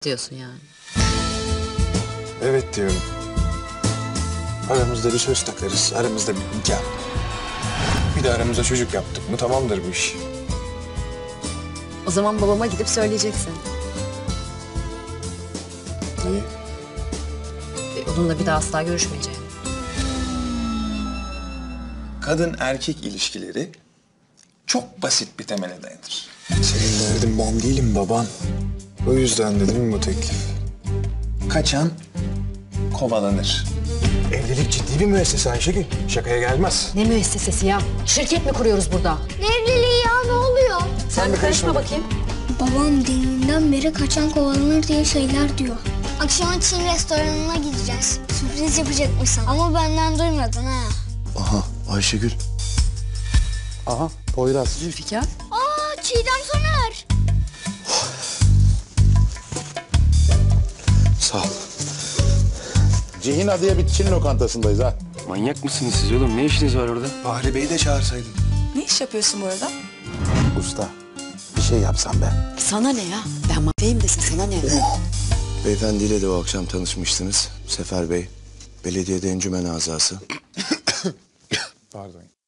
diyorsun yani. Evet diyorum. Aramızda bir söz takarız, aramızda bir nikah. Bir de aramıza çocuk yaptık mı tamamdır bu iş. O zaman babama gidip söyleyeceksin. Neyi? Onunla bir daha asla görüşmeyeceğim. Kadın erkek ilişkileri çok basit bir temele dayanır. Senin derdin ben değilim baban. O yüzden dedim bu teklif. Kaçan kovalanır. Evlilik ciddi bir müessese Ayşegül. Şakaya gelmez. Ne müessesesi ya? Şirket mi kuruyoruz burada? Ne evliliği ya, ne oluyor? Sen bir karışma bakayım. Babam deminden beri kaçan kovalanır diye şeyler diyor. Akşam Çin restoranına gideceğiz. Sürpriz yapacakmış sana. Ama benden duymadın ha. Aha Ayşegül. Aha Poyraz. Zülfikar. Aa, Çiğdem Soner. Sağ ol. Cihina diye bir Çin lokantasındayız ha. Manyak mısınız siz oğlum? Ne işiniz var orada? Bahri Bey'i de çağırsaydın. Ne iş yapıyorsun bu arada? Usta bir şey yapsam ben. Sana ne ya? Ben mafyayım desin, sana ne? Beyefendiyle de o akşam tanışmıştınız. Sefer Bey, belediyede encümen azası. Pardon.